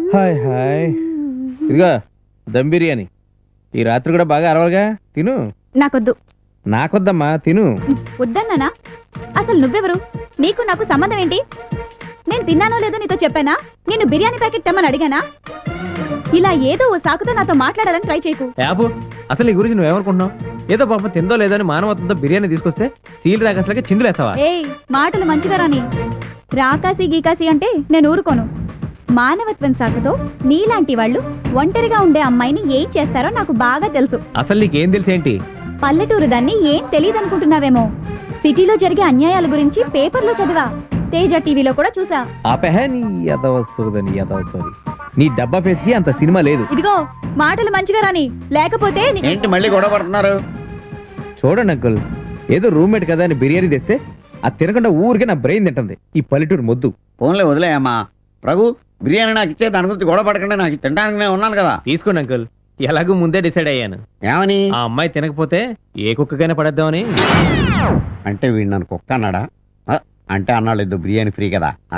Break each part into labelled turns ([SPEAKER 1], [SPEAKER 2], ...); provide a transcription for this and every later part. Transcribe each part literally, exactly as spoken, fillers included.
[SPEAKER 1] Hi hi ఇదిగా దమ్ బిర్యానీ ఈ రాత్రి కూడా బాగా అరవాలిగా తిను.
[SPEAKER 2] నాకొద్దు.
[SPEAKER 1] నాకొద్దమ్మా తిను.
[SPEAKER 2] వద్దన్నానా? అసలు నువ్వెవరు? నీకు నాకు సంబంధం ఏంటి? నేను తిన్నానో లేదో నీతో చెప్పానా? నేను బిర్యానీ ప్యాకెట్ తెమ్మని అడిగానా? ఇలా ఏదో ఓ సాకుతో నాతో మాట్లాడాలని ట్రై చేయకు.
[SPEAKER 1] యాబు అసలు నీ గురించి నువ్వేమనుకుంటున్నావు? ఏదో పాపం తిందో లేదో అని మానవత్వంతో బిర్యానీ తీసుకొస్తే సీల్ రాకసలకి చిందులేస్తావా?
[SPEAKER 2] ఏయ్ మాటలు మంచిగా రాని. రాకాసి గీకాసి అంటే నేను ఊరుకోను. మానవత్వం సాకుతో నీలాంటి వాళ్ళు ఒంటరిగా ఉండే అమ్మాయిని ఏం చేస్తారో నాకు బాగా తెలుసు.
[SPEAKER 1] అసలు నీకేం తెలుసేంటి?
[SPEAKER 2] పల్లెటూరు దాన్ని ఏం తెలియదనుకుంటున్నావేమో. సిటీలో జరిగే అన్యాయాల గురించి పేపర్లో చదివా, తేజ టీవీలో కూడా చూసా.
[SPEAKER 1] ఆపెహ నీ యదవసోదని యదవసోది. నీ డబ్బా ఫేస్ కి అంత సినిమా లేదు.
[SPEAKER 2] ఇదిగో మాటలు మంచిగా రాని, లేకపోతే ని-
[SPEAKER 3] ఏంటి మళ్ళీ గొడవ పడుతున్నారు?
[SPEAKER 1] చూడండి అంకుల్, ఏదో రూమ్మేట్ కదా అని బిర్యానీ తెస్తే అది తినకుండా ఊరికే నా బ్రెయిన్ తింటుంది. ఈ పల్లెటూరు మొద్దు.
[SPEAKER 3] ఫోన్లే వదిలేయమ్మా. రఘు బిర్యానీ నాకు ఇచ్చే, దాని గురించి గొడవ పడకుండా నాకు తినడానికి నేను ఉన్నాను కదా.
[SPEAKER 1] తీసుకోండి అంకుల్, ఎలాగూ ముందే డిసైడ్ అయ్యాను.
[SPEAKER 3] ఏమని?
[SPEAKER 1] ఆ అమ్మాయి తినకపోతే ఏ కుక్కకైనా పడేద్దామని.
[SPEAKER 3] అంటే వీడు నన్ను కుక్క అన్నాడా? ఆ, అంటే అన్నాడు ఇద్దరు బిర్యానీ ఫ్రీ కదా. ఆ,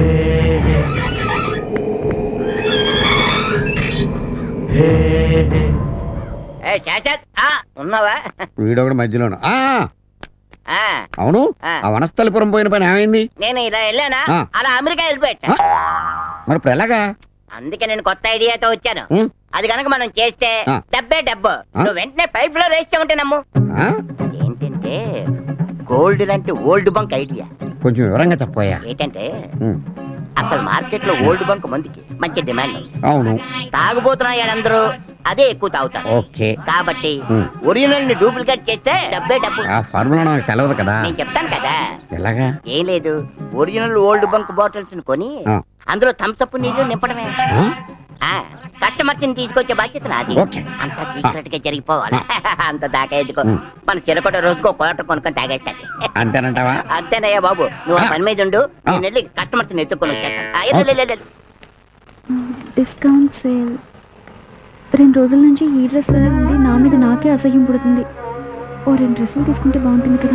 [SPEAKER 4] ఏ శాశ్వత్, ఆ, ఉన్నావా?
[SPEAKER 3] వీడొకటి మధ్యలోను. ఆ,
[SPEAKER 4] ఆ,
[SPEAKER 3] అవును.
[SPEAKER 4] ఆ.
[SPEAKER 3] ఆ వనస్థలిపురం పోయిన పని ఏమైంది?
[SPEAKER 4] నేను ఇలా వెళ్ళానా,
[SPEAKER 3] ఆ.
[SPEAKER 4] అలా అమెరికా వెళ్ళిపోయా.
[SPEAKER 3] మరి ఇప్పుడు ఎలాగా?
[SPEAKER 4] అందుకే నేను కొత్త ఐడియాతో వచ్చాను.
[SPEAKER 3] ఉం?
[SPEAKER 4] అది కనుక మనం చేస్తే
[SPEAKER 3] ఆ.
[SPEAKER 4] డబ్బే డబ్బు.
[SPEAKER 3] ఆ.
[SPEAKER 4] నువ్వు వెంటనే పైప్ లో వేస్తే నమ్ము.
[SPEAKER 3] ఆ?
[SPEAKER 4] ఏంటంటే గోల్డ్ లాంటి ఓల్డ్ బంక్ ఐడియా.
[SPEAKER 3] కొంచెం వివరంగా చెప్పోయా.
[SPEAKER 4] ఏంటంటే
[SPEAKER 3] ఉం.
[SPEAKER 4] అసలు మార్కెట్ లో ఓల్డ్ బంక్ మందుకి మంచి డిమాండ్ ఉంది.
[SPEAKER 3] అవును.
[SPEAKER 4] తాగుబోతున్నా అందరూ అదే ఎక్కువ తాగుతారు.
[SPEAKER 3] ఓకే.
[SPEAKER 4] కాబట్టి
[SPEAKER 3] ఉం.
[SPEAKER 4] ఒరిజినల్ ని డూప్లికేట్ చేస్తే డబ్బే డబ్బు.
[SPEAKER 3] ఆ ఫార్ములా నాకు తెలవదు కదా.
[SPEAKER 4] నేను చెప్తాను కదా.
[SPEAKER 3] ఎలాగా?
[SPEAKER 4] ఏం లేదు, ఒరిజినల్ ఓల్డ్ బంక్ బాటిల్స్ ని కొని
[SPEAKER 3] ఆ.
[SPEAKER 4] అందులో థమ్స్అప్ నీళ్లు నింపడమే.
[SPEAKER 3] ఆ?
[SPEAKER 4] ఆ కస్టమర్స్ ని తీసుకొచ్చే బాధ్యత నాది.
[SPEAKER 3] ఓకే.
[SPEAKER 4] అంత సీక్రెట్ గా జరిగిపోవాలి. అంత దాకా ఎందుకో,
[SPEAKER 3] ఉం.
[SPEAKER 4] మన చిరకొట రోజుకో కోట కొనుక్కొని తాగేస్తాది.
[SPEAKER 3] అంతేనంటావా?
[SPEAKER 4] అంతేనయ్యా బాబు, నువ్వు ఆ పని మీద ఉండు. నేను వెళ్ళి కస్టమర్స్ ని ఎత్తుకొని వచ్చేస్తాను. ఆ, వెళ్ళు, వెళ్ళు, వెళ్ళు.
[SPEAKER 2] Discount sale. రెండు రోజుల నుంచి ఈ డ్రెస్లోనే ఉండి నా మీద నాకే అసహ్యం పుడుతుంది. ఓ రెండు డ్రెస్సులు తీసుకుంటే బాగుంటుంది కదా.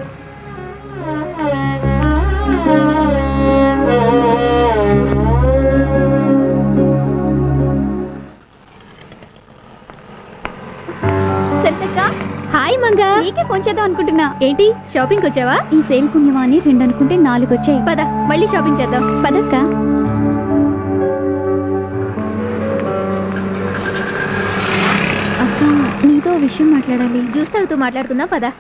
[SPEAKER 2] హాయ్ మంగా, నీకే ఫోన్ చేద్దాం అనుకుంటున్నా. ఏంటి షాపింగ్ వచ్చావా? ఈ సేల్ పుణ్యమా అని రెండు అనుకుంటే నాలుగు వచ్చాయి. పద మళ్ళీ షాపింగ్ చేద్దాం. పదక్క. అక్క నీతో విషయం మాట్లాడాలి. జ్యూస్ తాగుతూ మాట్లాడుకుందాం పద.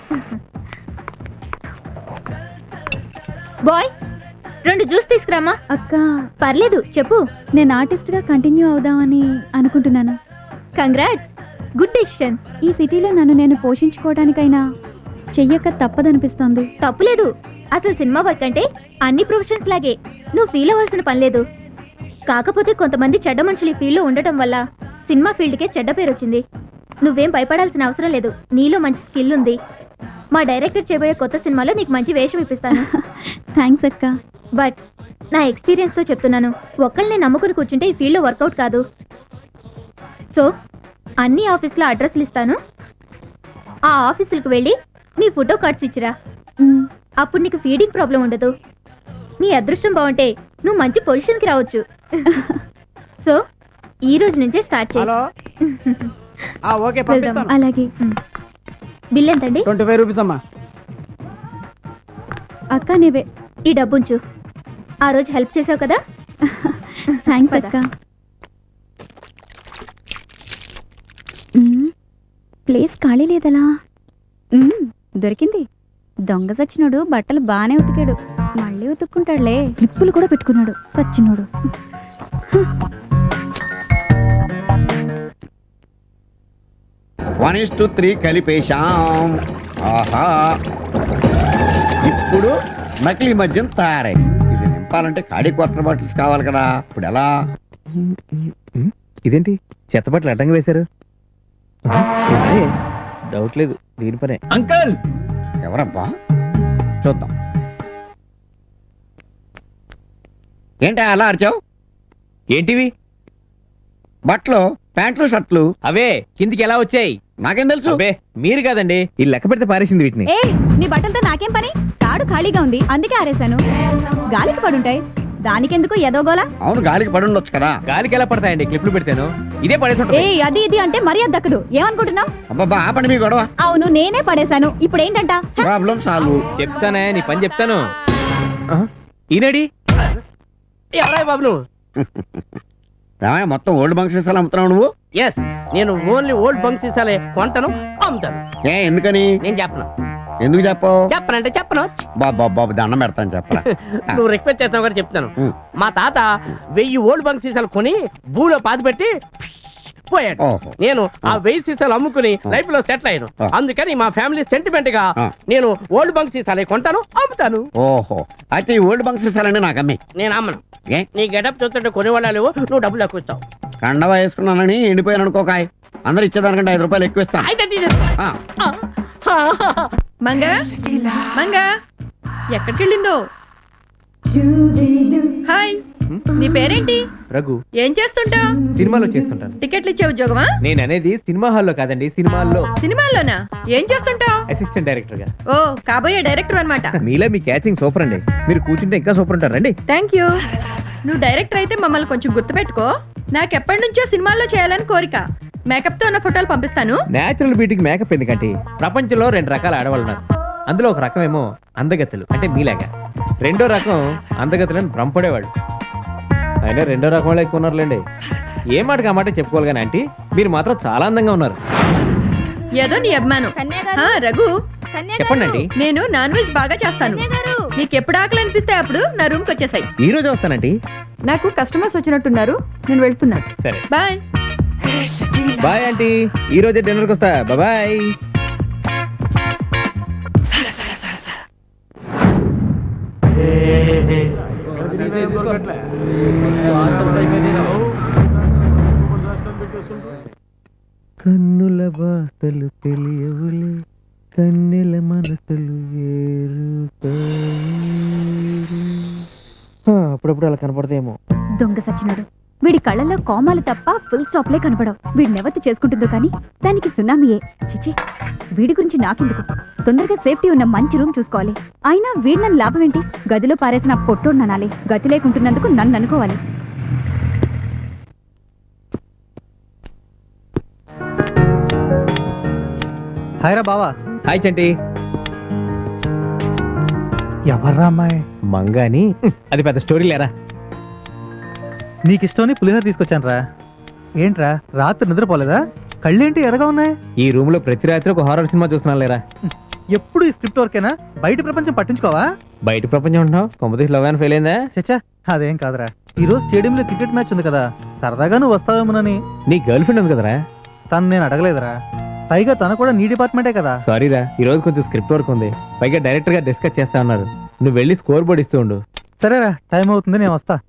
[SPEAKER 2] బాయ్ రెండు జ్యూస్ తీసుకురామా. అక్క పర్లేదు చెప్పు. నేను ఆర్టిస్ట్ గా కంటిన్యూ అవుదామని అనుకుంటున్నాను. Congrats, good decision. ఈ సిటీలో నన్ను నేను పోషించుకోవడానికైనా చెయ్యక తప్పదనిపిస్తోంది. తప్పులేదు, అసలు సినిమా వర్క్ అంటే అన్ని ప్రొఫెషన్స్ లాగే. నువ్వు ఫీల్ అవ్వాల్సిన పని లేదు. కాకపోతే కొంతమంది చెడ్డ మనుషులు ఈ ఫీల్డ్లో ఉండటం వల్ల సినిమా ఫీల్డ్కే చెడ్డ పేరు వచ్చింది. నువ్వేం భయపడాల్సిన అవసరం లేదు. నీలో మంచి స్కిల్ ఉంది. మా డైరెక్టర్ చేయబోయే కొత్త సినిమాలో నీకు మంచి వేషం ఇప్పిస్తాను. థ్యాంక్స్ అక్క. బట్ నా ఎక్స్పీరియన్స్తో చెప్తున్నాను, ఒక్కళ్ళని నమ్ముకుని కూర్చుంటే ఈ ఫీల్డ్లో వర్కౌట్ కాదు. సో అన్ని ఆఫీసులో అడ్రస్లు ఇస్తాను. ఆ ఆఫీసులకు వెళ్ళి నీ ఫోటో కార్డ్స్ ఇచ్చిరా. అప్పుడు నీకు ఫీడింగ్ ప్రాబ్లం ఉండదు. నీ అదృష్టం బాగుంటే నువ్వు మంచి పొజిషన్కి రావచ్చు. సో ఈ రోజు నుంచే స్టార్ట్ చేయి. అలాగే. బిల్ ఎంతండి?
[SPEAKER 5] ట్వంటీ ఫైవ్ రూపీస్ అమ్మా.
[SPEAKER 2] అక్క నీవే ఈ డబ్బుంచు. ఆ రోజు హెల్ప్ చేసావు కదా. థ్యాంక్స్ అక్క. ప్లేస్ ఖాళీ లేదలా. దొరికింది. దొంగ సచ్చినోడు బట్టలు బాగానే ఉతికాడు, మళ్ళీ ఉతుక్కుంటాడులే. క్లిప్పులు కూడా పెట్టుకున్నాడు సచ్చినోడు.
[SPEAKER 3] వన్ ఇస్ టు త్రీ కలిపేశాం. ఆహా, ఇప్పుడు నకిలీ మద్యం తయారైంది. ఇది నింపాలంటే ఖాళీ క్వార్టర్ బాటిల్స్ కావాలి కదా. ఇప్పుడు ఎలా?
[SPEAKER 1] ఇదేంటి చెత్త బట్టలు అడ్డంగా వేశారు? డౌట్ లేదు, దీని పనే. అంకల్
[SPEAKER 3] ఎవరబ్బా? చూద్దాం. ఏంటా అలా అరిచావు?
[SPEAKER 1] ఏంటివి?
[SPEAKER 3] బట్టలు, ప్యాంట్లు, షర్ట్లు.
[SPEAKER 1] అవే కిందికి ఎలా వచ్చాయి?
[SPEAKER 3] నాకేం తెలుసు?
[SPEAKER 1] అవే మీరు కాదండి, ఈ లెక్క పెడితే పారేసింది వీటిని.
[SPEAKER 2] ఏ నీ బట్టలతో నాకేం పని? తాడు ఖాళీగా ఉంది అందుకే ఆరేశాను. గాలికి పడుంటాయి. దానికెందుకు ఎదోగోలా?
[SPEAKER 3] అవును గాలికి పడి ఉండొచ్చు కదా.
[SPEAKER 1] గాలికి ఎలా పడతాయండి క్లిప్లు పెడితేను? ఇదే పడేసి
[SPEAKER 2] ఏ
[SPEAKER 1] ఉంటుంది.
[SPEAKER 2] అది ఇది అంటే మర్యాద దక్కదు. ఏమనుకుంటున్నావు?
[SPEAKER 3] అబ్బాబా ఆపండి మీ గొడవ.
[SPEAKER 2] అవును నేనే పడేశాను. ఇప్పుడు ఏంటంట?
[SPEAKER 3] Problem solve.
[SPEAKER 1] చెప్తానే నీ పని చెప్తాను. ఆహా, ఈనాడి
[SPEAKER 5] ఎవరా బాబు నువ్వు?
[SPEAKER 3] ఏమయ్య, మొత్తం ఓల్డ్ బంక్ సీసాలు అమ్ముతున్నావు నువ్వు?
[SPEAKER 5] ఎస్, నేను ఓన్లీ ఓల్డ్ బంక్ సీసాలే కొంటాను, అమ్ముతాను.
[SPEAKER 3] ఏ ఎందుకని?
[SPEAKER 5] నేను చెప్పను.
[SPEAKER 3] ఎందుకు చెప్పవు?
[SPEAKER 5] చెప్పనంటే చెప్పను.
[SPEAKER 3] బాబా బాబు దండం పెడతాను చెప్పరా.
[SPEAKER 5] నువ్వు రిక్వెస్ట్ చేస్తావు కూడా చెప్తాను.
[SPEAKER 3] ఉం.
[SPEAKER 5] మా తాత వెయ్యి ఓల్డ్ బంక్ సీసాలు కొని భూమిలో పాతి పెట్టి పోయాడు.
[SPEAKER 3] ఓహో.
[SPEAKER 5] నేను ఆ వెయ్యి సీసాలు అమ్ముకుని లైఫ్ లో సెటిల్ అయ్యాను.
[SPEAKER 3] ఆ.
[SPEAKER 5] అందుకని మా ఫ్యామిలీ సెంటిమెంట్ గా
[SPEAKER 3] ఆ.
[SPEAKER 5] నేను ఓల్డ్ బంక్ సీసాలే కొంటాను, అమ్ముతాను.
[SPEAKER 3] ఓహో, అయితే ఈ ఓల్డ్ బంక్ సీసాలండి నాకు అమ్మి.
[SPEAKER 5] నేను అమ్మను.
[SPEAKER 3] ఏ
[SPEAKER 5] నీ గెటప్ చూస్తుంటే కొనేవాళ్ళు లేవు, నువ్వు డబ్బులు ఎక్కువ ఇస్తావు.
[SPEAKER 3] కండవా వేసుకున్నానని ఎండిపోయాను అనుకోకాయ్. అందరు ఇచ్చేదానికంటే ఐదు రూపాయలు ఎక్కువ ఇస్తాను.
[SPEAKER 5] అయితే తీసేసుకో.
[SPEAKER 3] ఆ,
[SPEAKER 6] మంగ మంగ ఎక్కడికి వెళ్ళిందో? హాయ్, నీ పేరేంటి?
[SPEAKER 1] రఘు,
[SPEAKER 6] ఏం చేస్తుంటా?
[SPEAKER 1] సినిమాలో చేస్తుంటాను.
[SPEAKER 6] టికెట్లు ఇచ్చే ఉద్యోగమా?
[SPEAKER 1] నేను అనేది సినిమా హాల్లో కాదండి, సినిమాల్లో
[SPEAKER 6] సినిమాల్లోనా? ఏం చేస్తుంటా?
[SPEAKER 1] అసిస్టెంట్ డైరెక్టర్ గా.
[SPEAKER 6] ఓ, కాబోయే డైరెక్టర్ అన్నమాట.
[SPEAKER 1] మీలా మీ క్యాచింగ్ సూపర్ అండి. మీరు కూర్చుంటే ఇంకా సూపర్ ఉంటారు రండి.
[SPEAKER 6] Thank you. నువ్వు డైరెక్టర్ అయితే మమ్మల్ని కొంచెం గుర్తుపెట్టుకో. నాకు ఎప్పటి నుంచో సినిమాల్లో చేయాలని కోరిక. మేకప్ తో ఉన్న ఫోటోలు పంపిస్తాను.
[SPEAKER 1] నేచురల్ బ్యూటీకి మేకప్ ఎందుకంటే ప్రపంచంలో రెండు రకాల ఆడవాళ్ళు ఉన్నారు. అందులో ఒక రకమేమో అందగత్తెలు అంటే మీలాగా, రెండో రకం అందగత్తెలను భ్రమపడేవాళ్ళు. అయినా రెండో రకం వాళ్ళు ఎక్కువ ఉన్నారులేండి. ఏ మాటకి ఆ మాట చెప్పుకోవాలి కానీ ఆంటీ మీరు మాత్రం చాలా అందంగా ఉన్నారు.
[SPEAKER 6] ఏదో నీ అభిమానం. ఆ, రఘు,
[SPEAKER 1] చెప్పండి ఆంటీ.
[SPEAKER 6] నేను నాన్ వెజ్ బాగా చేస్తాను. నీకు ఎప్పుడు ఆకలి అనిపిస్తే అప్పుడు నా రూమ్ కి వచ్చేసాయి.
[SPEAKER 1] ఈ రోజు వస్తానంటీ.
[SPEAKER 6] నాకు కస్టమర్స్ వచ్చినట్టున్నారు, నేను వెళ్తున్నా.
[SPEAKER 1] సరే
[SPEAKER 6] బాయ్.
[SPEAKER 1] బాయ్ ఆంటీ, ఈ రోజే డిన్నర్కి వస్తా. బాయ్. కన్నుల బాధలు తెలియవులే, కన్నెల మనసులు వేరు. అప్పుడప్పుడు అలా కనపడతాయేమో.
[SPEAKER 2] దొంగ సచ్చినాడు. వీడి కళ్ళల్లో కోమాలు తప్ప ఫుల్ స్టాప్లే కనపడవు. వీడి నెవతి చేసుకుంటుందో కానీ దానికి సునామీయే. చిచి, వీడి గురించి నాకెందుకు? తొందరగా సేఫ్టీ ఉన్న మంచి రూమ్ చూసుకోవాలి. అయినా వీడి నన్ను లాభం ఏంటి? గదిలో పారేసిన పొట్టోడు ననాలి. గతి లేకుంటున్నందుకు నన్ను అనుకోవాలి.
[SPEAKER 7] హాయ్ రా బావా.
[SPEAKER 1] హాయ్ చంటి.
[SPEAKER 7] ఎవర్రా అమ్మాయి?
[SPEAKER 1] మంగాని అది పెద్ద స్టోరీ లేరా.
[SPEAKER 7] నీకు ఇష్టమని పులిహోర తీసుకొచ్చాను రా. ఏంట్రా రాత్రి నిద్రపోలేదా? కళ్ళేంటి ఎర్రగా ఉన్నాయి?
[SPEAKER 1] ఈ రూమ్ లో ప్రతి రాత్రి ఒక హారర్ సినిమా చూస్తున్నాను లేరా.
[SPEAKER 7] ఎప్పుడు ఈ స్క్రిప్ట్ వర్కేనా? బయట ప్రపంచం పట్టించుకోవా?
[SPEAKER 1] బయట ప్రపంచం ఉంటున్నావు, కొంపతీసి లవ్ అని ఫెయిల్ అయిందా?
[SPEAKER 7] చచ్చా, అదేం కాదురా. ఈ రోజు స్టేడియంలో క్రికెట్ మ్యాచ్ ఉంది కదా, సరదాగా నువ్వు వస్తావేమోనని.
[SPEAKER 1] నీ గర్ల్ ఫ్రెండ్ ఉంది కదరా.
[SPEAKER 7] తను నేను అడగలేదురా. పైగా తన కూడా నీ డిపార్ట్మెంటే కదా.
[SPEAKER 1] సారీరా, ఈ రోజు కొంచెం స్క్రిప్ట్ వర్క్ ఉంది. పైగా డైరెక్టర్ గా డిస్కస్ చేస్తా ఉన్నారు. నువ్వు వెళ్ళి స్కోర్ బోర్డ్ ఇస్తూ ఉండు.
[SPEAKER 7] సరేరా, టైం అవుతుంది, నేను వస్తా.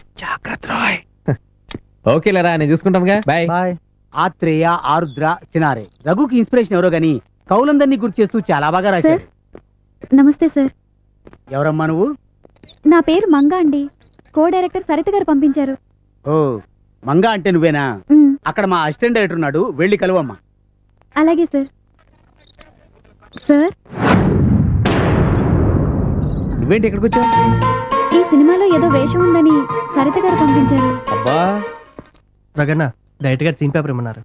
[SPEAKER 1] ఓకే లేరా, నేను చూసుకుంటానుగా. బాయ్.
[SPEAKER 7] బాయ్.
[SPEAKER 8] ఆత్రేయ, ఆరుద్ర, చినారే. రఘుకి ఇన్స్పిరేషన్ ఎవరో గాని కౌలందరినీ గుర్తు చేస్తూ చాలా బాగా రాశాడు.
[SPEAKER 2] నమస్తే సార్.
[SPEAKER 8] ఎవరమ్మా నువ్వు?
[SPEAKER 2] నా పేరు మంగా అండి. కో డైరెక్టర్ సరిత గారు పంపించారు.
[SPEAKER 8] ఓ, మంగా అంటే నువ్వేనా?
[SPEAKER 2] ఉమ్,
[SPEAKER 8] అక్కడ మా అసిస్టెంట్ డైరెక్టర్ ఉన్నాడు, వెళ్ళి కలువమ్మా.
[SPEAKER 2] అలాగే సార్. సార్,
[SPEAKER 1] నువ్వేంటి ఎక్కడికి వచ్చావు?
[SPEAKER 2] ఈ సినిమాలో ఏదో వేషం ఉందని సరిత గారు పంపించారు.
[SPEAKER 1] అబ్బా,
[SPEAKER 7] రగన్న డైరెక్ట్ గా సీన్ పేపర్ ఇమ్మన్నారు.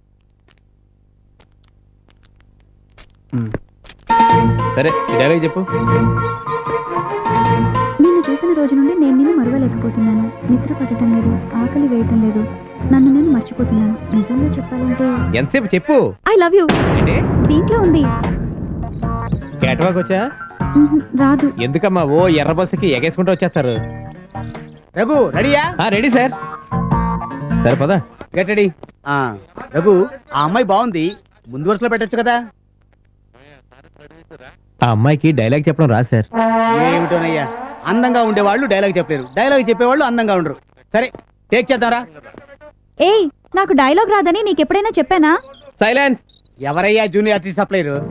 [SPEAKER 1] సరే ఈ డైలాగ్ చెప్పు.
[SPEAKER 2] నిన్ను చూసిన రోజు నుండి నేను నిన్ను మరవలేకపోతున్నాను. నిద్ర పట్టడం లేదు, ఆకలి వేయటం లేదు, నన్ను నేను మర్చిపోతున్నాను. నిజంగా చెప్పాలంటే
[SPEAKER 1] ఎంతసేపు చెప్పు.
[SPEAKER 2] I love you.
[SPEAKER 1] ఏంటి
[SPEAKER 2] దీంట్లో ఉంది.
[SPEAKER 1] క్యాట్ వాక్ వచ్చా?
[SPEAKER 2] ఉహు, రాదు.
[SPEAKER 1] ఎందుకమ్మా ఓ ఎర్ర బస్సుకి ఎగేసుకుంటూ వచ్చేస్తారు.
[SPEAKER 8] రఘు రెడీయా?
[SPEAKER 1] Ready sir. సరే పదా.
[SPEAKER 8] Get ready. ఆ, రఘు, ఆ అమ్మాయి బాగుంది, ముందు వరుసలో పెట్టొచ్చు కదా.
[SPEAKER 1] ఆ అమ్మాయికి డైలాగ్ చెప్పడం రా సార్.
[SPEAKER 8] ఏమిటోనయ్యా, అందంగా ఉండేవాళ్ళు డైలాగ్ చెప్పలేరు, డైలాగ్ చెప్పేవాళ్ళు అందంగా ఉండరు. సరే టేక్ చేద్దాంరా.
[SPEAKER 2] ఏయ్, నాకు డైలాగ్ రాదని నీకెప్పుడైనా చెప్పానా?
[SPEAKER 1] సైలెన్స్.
[SPEAKER 8] ఎవరయ్యా జూనియర్ ఆర్టిస్ట్ సప్లైరు?